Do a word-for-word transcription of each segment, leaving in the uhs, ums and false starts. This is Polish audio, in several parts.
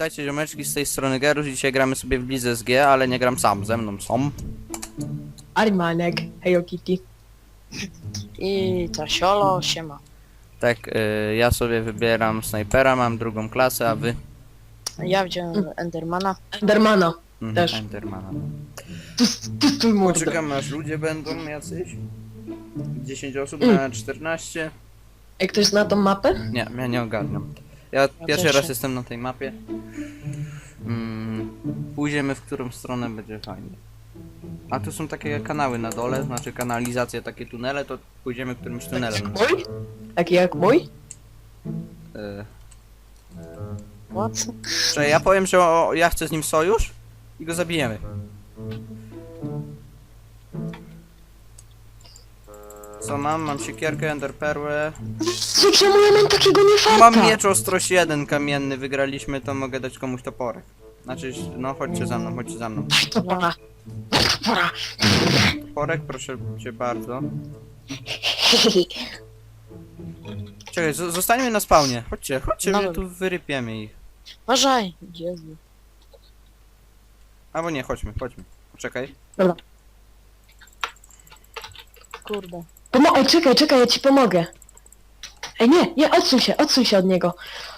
Witajcie ziomeczki, z tej strony Gerus. Dzisiaj gramy sobie w Lidze z G, ale nie gram sam, ze mną są. Arimanek, hejo Kitty. I ta siolo, siema. Tak, y, ja sobie wybieram snajpera, mam drugą klasę, a wy? Ja wziąłem Endermana. Endermana. Mhm, Też. Endermana. Tu, tu, tu mordę. Poczekamy aż ludzie będą jacyś. dziesięć osób Mm. na czternaście. Ej, ktoś zna tą mapę? Nie, ja nie ogarniam. Ja pierwszy też raz nie. jestem na tej mapie. Mm, pójdziemy w którą stronę będzie fajnie. A tu są takie kanały na dole, znaczy kanalizacja, takie tunele, to pójdziemy którymś tunelem. Mój? Taki jak mój? Y, What? Że ja powiem, że o, ja chcę z nim sojusz i go zabijemy. Co mam? Mam siekierkę, enderperłę. Co, czemu ja mam takiego niefarta? Mam miecz ostrość jeden kamienny, wygraliśmy, to mogę dać komuś toporek. Znaczy, no chodźcie za mną, chodźcie za mną. To pora. Pora. Toporek, proszę cię bardzo. Czekaj, z- zostańmy na spawnie. Chodźcie, chodźcie, No że dobra. tu wyrypiemy ich. Uważaj! Jezu. Albo nie, chodźmy, chodźmy. Czekaj. Kurde. Pomo Ej, czekaj, czekaj, ja ci pomogę. Ej, nie, nie, odsuń się, odsuń się od niego.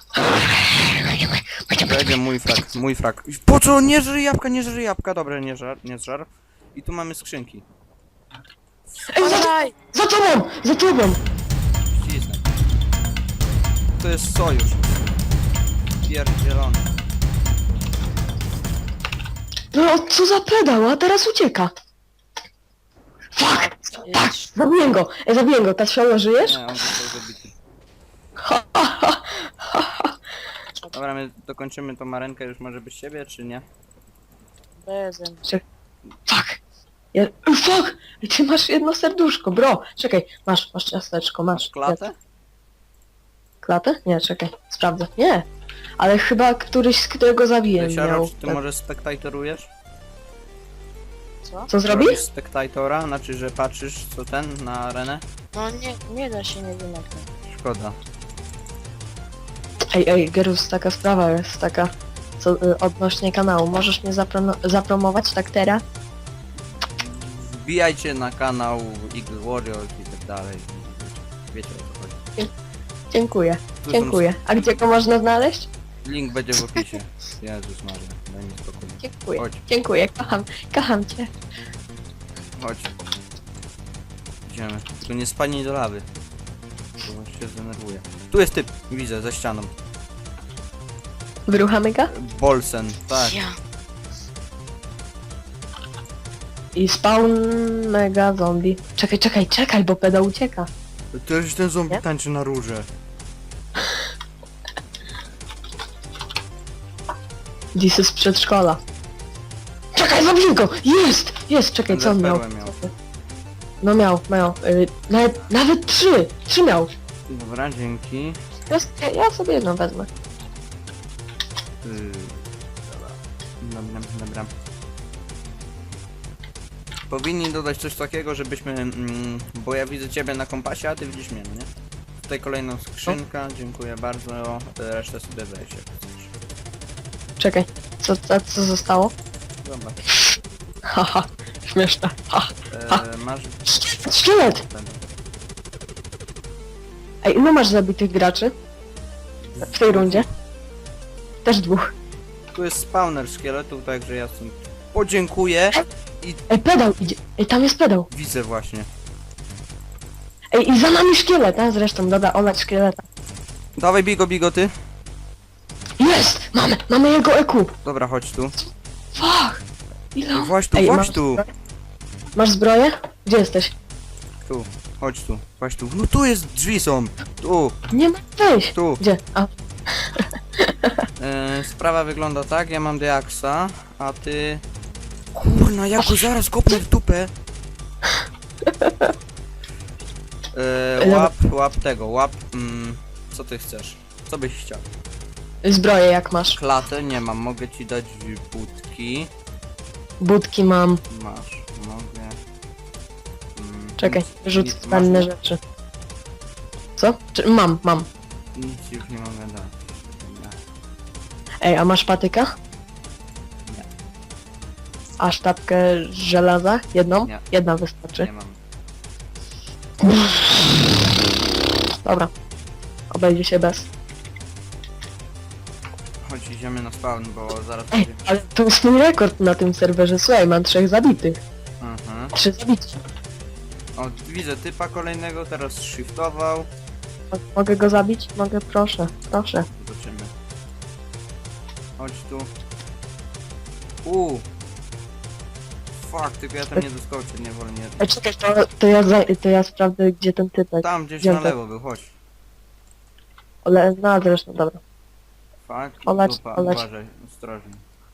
Będzie mój frak, mój frak. Po co? Nie żry jabłka, nie żry jabłka. Dobra, nie żar, nie żar. I tu mamy skrzynki. Ej, za, Uważaj! za tobą, za tobą. Ścisnę. To jest sojusz. Pierdzielony. No, co za pedał, a teraz ucieka. Fuck, Jedź. zabiję go. Ej, zabiję go, ta siolo, żyjesz? Nie, on został zabity. Ha, ha, ha, ha, ha. Dobra, my dokończymy tą marenkę już może bez siebie, czy nie? Bezem. Fuck. Ja, Ej, fuck! Ej, ty masz jedno serduszko, bro. Czekaj, masz, masz ciasteczko, masz. Masz klatę? Klatę? Nie, czekaj, sprawdzę. Nie. Ale chyba któryś, z którego zabiję Siaro, miał. czy ty może spektatorujesz? Co? Co zrobi? Robisz spektatora, znaczy, że patrzysz co ten na arenę? No nie, nie da się, nie wiem jak to. Szkoda. Ej, ej, Gerus, taka sprawa jest taka, co y, odnośnie kanału. Możesz mnie zapro zapromować tak teraz? Wbijajcie na kanał Eagle Warriors i tak dalej. Wiecie o co chodzi. Dziękuję, Tu są- dziękuję. A gdzie go można znaleźć? Link będzie w opisie. Jezus Maria, daj mi spokój. Dziękuję, Chodź. dziękuję, kocham, kocham cię. Chodź. Idziemy. Tylko nie spadnij do lawy. Bo się zdenerwuje. Tu jest typ, widzę, za ścianą. Wyruchamy go? Bolsen, tak. Ja. I spawn mega zombie. Czekaj, czekaj, czekaj, bo pedał ucieka. Też ten zombie Nie? tańczy na róże. This is przedszkola. Czekaj, zabiję go! Jest! Jest, czekaj, co on miał? Perłę miał. No miał, miał. Y, nawet, nawet trzy! Trzy miał. Dobra, dzięki. Ja, ja, ja sobie jedną wezmę. Yy, dobra. Dobra, dobra. Powinni dodać coś takiego, żebyśmy... Mm, bo ja widzę ciebie na kompasie, a ty widzisz mnie, no nie? Tutaj kolejna skrzynka, dziękuję bardzo. Resztę sobie weź. jak chcesz. Czekaj, co, co, co zostało? Dobra. Haha, śmieszne. Ha. E, masz... Szkielet! Ej, ilu masz zabitych graczy? W tej rundzie? Też dwóch. Tu jest spawner szkieletów, także ja stąd podziękuję i Ej, pedał idzie. Ej, tam jest pedał. widzę właśnie. Ej, i za nami szkielet, a zresztą, dobra, olać szkieleta. Dawaj bigo, bigo ty. Jest! Mamy, mamy jego E Q. Dobra, chodź tu. Fuck! Ile? Właśnie tu, Ej, chodź masz tu. zbroję? Masz zbroję? Gdzie jesteś? Tu, chodź tu, chodź tu. No tu jest, drzwi są. Tu, Nie ma wejść. tu. Gdzie? A, E, sprawa wygląda tak, ja mam Deaxa, a ty... Kurna, ja go zaraz kopnę w dupę. E, łap, łap tego, łap... Mm, co ty chcesz? Co byś chciał? zbroję jak masz. Klatę nie mam, mogę ci dać budki. Budki mam. Masz, mogę... Mm, Czekaj, nic- rzuć nic- zbędne masz- rzeczy. Co? Czy, mam, mam. Nic już nie mogę dać. Dobra. Ej, a masz patyka? Nie. A sztabkę żelaza? Jedną? Nie. Jedna wystarczy. Nie mam. Dobra. Obejdzie się bez. Chodź, idziemy na spawn, bo zaraz Ej, będzie... ale to jest mój rekord na tym serwerze. Słuchaj, mam trzech zabitych. Mhm. Trzy zabici. O, widzę typa kolejnego, teraz shiftował. Mo- Mogę go zabić? Mogę, proszę, proszę. Zobaczymy. Chodź tu. Uuu. Fuck, tylko ja tam nie doskoczę, nie wolę, nie. Ej, czekaj, to, to, ja, za, to ja sprawdzę, gdzie ten typek. Tam gdzieś Gdzie na to? lewo był, chodź. Ale, no zresztą, dobra. Fuck, Olać, dupa, olać. uważaj, ostrożnie.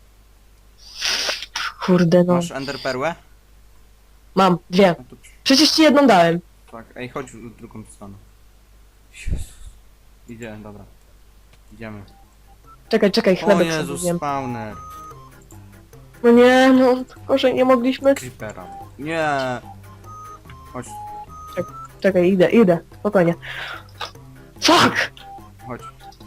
Kurde, no. Masz enderperłę? Mam, dwie. No to przy- Przecież ci jedną dałem. fuck, ej, chodź w drugą stronę. Jezus. Idzie, dobra. Idziemy. Czekaj, czekaj, O chlebek sobie Jezus, zjem. spawner. No nie, no, gorzej nie mogliśmy. Creepera. Nie. Chodź, Czekaj, idę, idę, spokojnie. Fuck! chodź.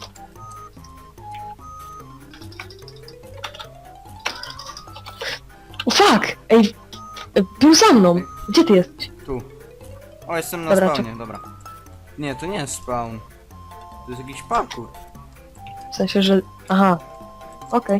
O, fuck! Ej, był za mną. Gdzie ty jesteś? Tu. O, jestem na Dobra, spawnie, dobra. Nie, to nie jest spawn. To jest jakiś parkour. W sensie, że... Aha. Okej.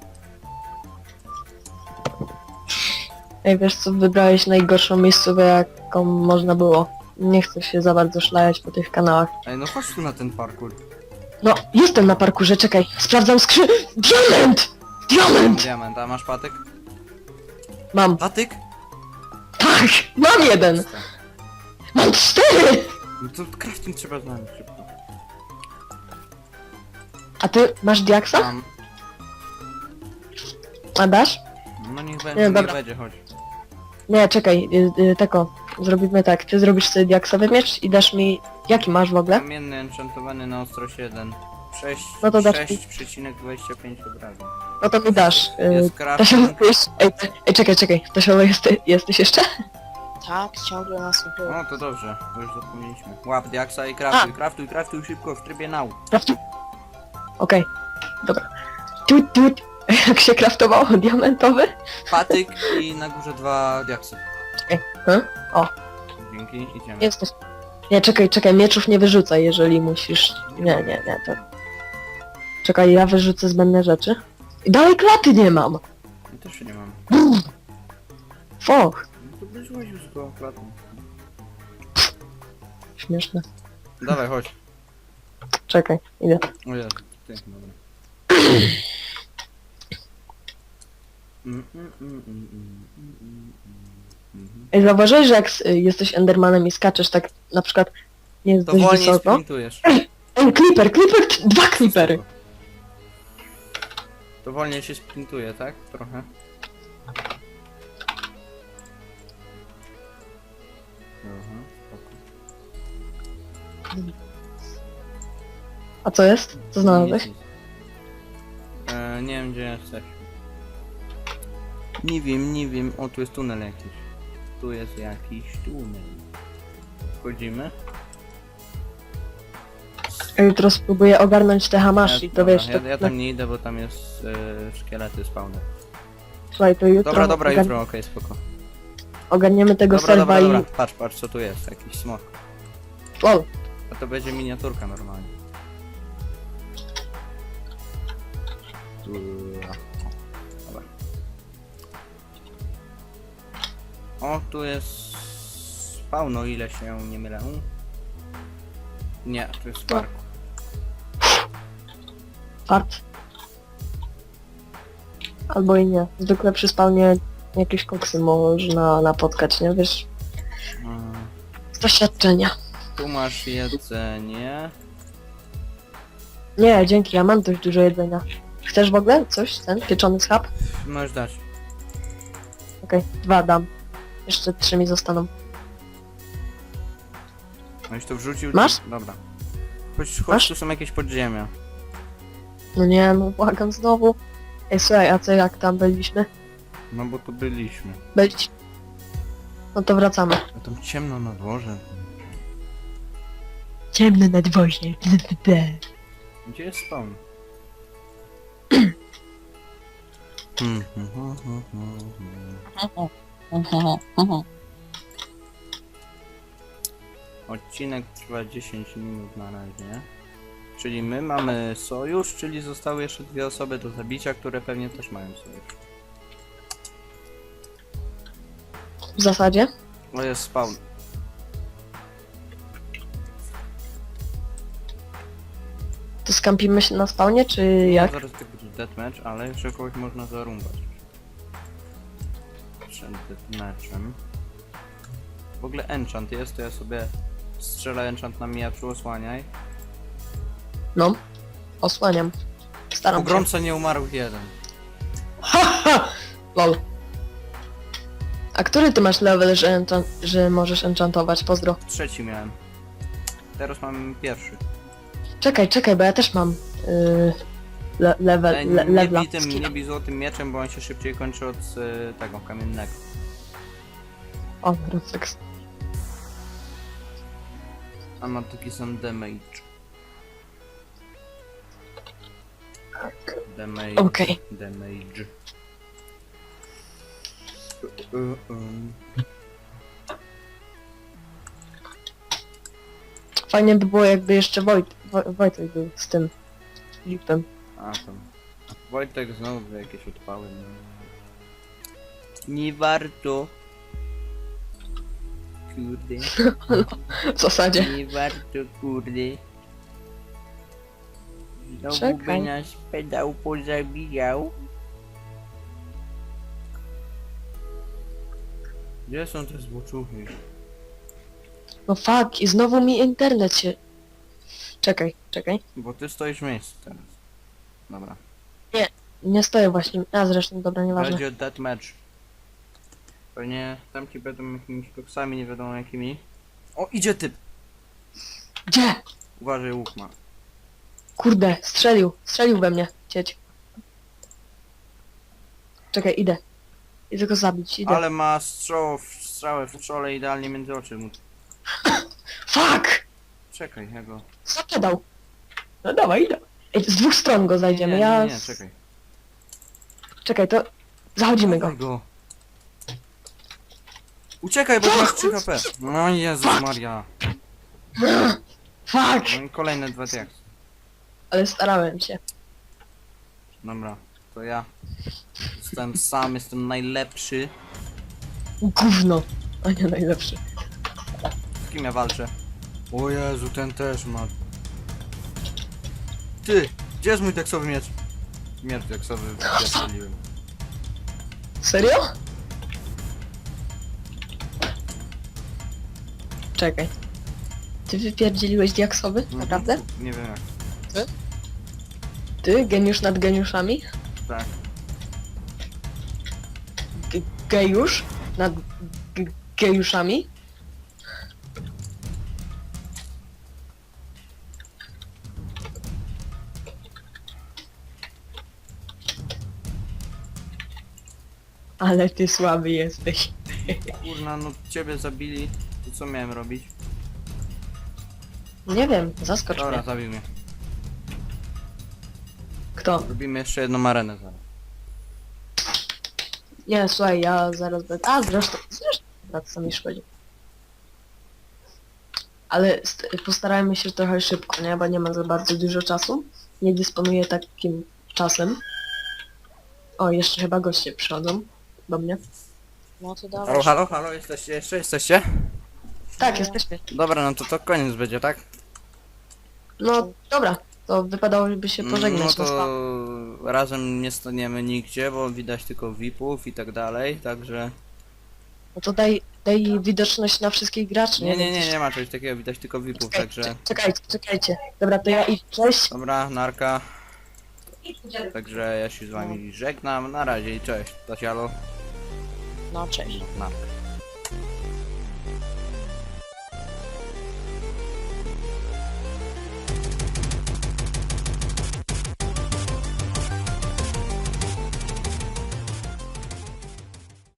Ej, wiesz co, wybrałeś najgorszą miejscówkę, jaką można było. Nie chcę się za bardzo szlajać po tych kanałach. Ej, no chodź tu na ten parkour. No, jestem na parkurze, czekaj. Sprawdzam skrzy... Diament! Diament! Diament, a masz patyk? Mam. Patyk? Tak! Mam jeden! Mam cztery! No to crafting trzeba znaleźć szybko. A ty masz diaksa? Mam. A dasz? No niech Nie, będzie, niech dobra. będzie, chodź. Nie, czekaj, y, y, tako. Zrobimy tak, ty zrobisz sobie diaksowy miecz i dasz mi... Jaki masz w ogóle? Kamienny enchantowany na ostrość jeden. sześć No to dasz mi. sześć przecinek dwadzieścia pięć obrażeń. No to mi dasz. Y, Jest to się crafting. Ej, ej, czekaj, czekaj. To się jesteś, jesteś jeszcze? Tak, ciągle nasłuchuję. O, to dobrze, to już zapomnieliśmy. Łap diaksa i craftuj, craftuj, craftuj szybko w trybie now. Craftu. Okej, dobra. Tut, tut. Jak się craftowało? Diamentowy? Patyk i na górze dwa diaksy. Hmm? Dzięki, idziemy. Jesteś. Nie, czekaj, czekaj, mieczów nie wyrzucaj, jeżeli musisz... Nie, nie, nie, to... Czekaj, ja wyrzucę zbędne rzeczy. I dalej klaty nie mam! Ja też nie mam. Foch! No to byś łaził z gołą klatą. Śmieszne. Dawaj, chodź. Czekaj, idę. O Jezu, ty, dobra. Mm, mm, mm, mm, mm, mm, mm, mhm. Ej, zauważyłeś, że jak s- jesteś Endermanem i skaczesz tak, na przykład, nie jest To dość wolniej wysoko? sprintujesz. Ej, Creeper, Creeper, t- dwa Creepery! To wolniej się sprintuje, tak? Trochę. Aha, spoko. A co jest? Co znalazłeś? Nic, nic. E, nie wiem gdzie jesteś. Nie wiem, nie wiem. O, tu jest tunel jakiś. Tu jest jakiś tunel. Wchodzimy? Ja jutro spróbuję ogarnąć te hamashi, to dobra, wiesz, ja, to... ja tam nie idę, bo tam jest e, szkielety spawner. Słuchaj, to jutro... Dobra, dobra, ogar- jutro, okej, spoko. Ogarniemy tego Dobra, serwa dobra, dobra. i... Patrz, patrz co tu jest, jakiś smok. Lol. A to będzie miniaturka normalnie. Tu- o, Dobra. O, tu jest spawn, o ile się nie mylę. Nie, tu jest park. Fart. Albo i nie. Zwykle przy spawnie jakieś koksy można napotkać, nie? Wiesz, Mm, z doświadczenia. Tu masz jedzenie. Nie, dzięki, ja mam dość dużo jedzenia. Chcesz w ogóle coś? Ten pieczony schab? Możesz dać. Okej, dwa dam. Jeszcze trzy mi zostaną. Możesz to wrzucił? Masz? Dobra. Chodź, chodź, Masz? tu są jakieś podziemia. No nie, no błagam znowu. Ej, słuchaj, a co jak tam byliśmy? No bo tu byliśmy. Byliśmy. No to wracamy. A tam ciemno na dworze. Ciemne nadwozie. Gdzie jest spawn? Hmm, hmm, hmm, hmm, hmm. Odcinek trwa dziesięć minut na razie. Czyli my mamy sojusz, czyli zostały jeszcze dwie osoby do zabicia, które pewnie też mają sojusz. W zasadzie. To jest spawn. To skampimy się na spawnie, czy No, jak? zaraz tak będzie deathmatch, ale jeszcze kogoś można zarumbać. Przed deathmatchem. W ogóle enchant jest, to ja sobie strzelę enchant na mieczu, osłaniaj. No. Osłaniam. Po Staram się. gromce nie umarł jeden. Ha, ha! Lol. A który ty masz level, że, enchant, że możesz enchantować? Pozdro. Trzeci miałem. Teraz mam pierwszy. Czekaj, czekaj, bo ja też mam yy, le, level, E, le, nie levela. bij tym, skilla. nie bij złotym mieczem, bo on się szybciej kończy od y, tego kamiennego. O, refleks. A ma taki sam damage. Damage. Okej. Damage. Uh, uh, um. Fajnie by było, jakby jeszcze Wojt, Woj, Wojtek był z tym lipem. A tam. Wojtek znowu jakieś odpały. No. Nie warto. Kurde. W zasadzie. Nie warto, kurde. Znowu Czekaj. by nas pedał pozabijał. Gdzie są te złoczuchy? No fuck, i znowu mi internet się... Czekaj, czekaj. Bo ty stoisz w miejscu teraz. Dobra. Nie stoję właśnie. A zresztą, dobra, nieważne. Będzie deathmatch. Pewnie tamci będą jakimiś koksami, nie wiadomo jakimi. O, idzie typ! Gdzie? Uważaj, łuk ma. Kurde, strzelił. Strzelił we mnie. Cieć. Czekaj, idę. Idę go zabić, idę. Ale ma strzał, strzałę w czole idealnie między oczy mu. Fuck! Czekaj, ja go... Zaprzedał. No dawaj, idę. Ej, z dwóch stron go zajdziemy. Nie, nie, ja... nie, nie, z- czekaj. Czekaj, to... Zachodzimy go. Dawaj go. Uciekaj, bo masz trzy H P. No Jezus Maria. Fuck! No i kolejne dwa diaksy. Ale starałem się. Dobra, to ja. Jestem sam, jestem najlepszy. Gówno. A nie najlepszy. Z kim ja walczę? O Jezu, ten też ma. Ty! Gdzie jest mój teksowy miecz? Miecz teksowy wystrzeliłem. Serio? Czekaj. Ty wypierdzieliłeś diaksowy? Naprawdę? Nie wiem jak. Ty? Geniusz nad geniuszami? Tak. G gejusz? Nad g gejuszami? Ale ty słaby jesteś. Kurna, no ciebie zabili. To co miałem robić? Nie wiem, zaskocz Dobra, mnie. zabił mnie. Kto? Robimy jeszcze jedną arenę zaraz. Nie, słuchaj, ja zaraz będę... A, zresztą, zresztą, na co mi szkodzi. Ale st- postarajmy się trochę szybko, nie? Bo nie ma za bardzo dużo czasu. Nie dysponuję takim czasem. O, jeszcze chyba goście przychodzą do mnie. No to dawaj. Halo, halo, halo, jesteście jeszcze? Jesteście? Tak, No. jesteśmy. Dobra, no to to koniec będzie, tak? No, dobra. To wypadałoby się pożegnać. No na spa- to razem nie staniemy nigdzie, bo widać tylko V I P-ów i tak dalej, także... No to daj, daj widoczność na wszystkich graczy. Nie, nie, wiem, nie, coś- nie ma czegoś takiego, widać tylko V I P-ów, Czekaj, także... cze- Czekajcie, czekajcie. Dobra, to ja idź. Cześć. Dobra, narka. Także ja się z wami żegnam, na razie i cześć. Tasialo. No cześć. Narka.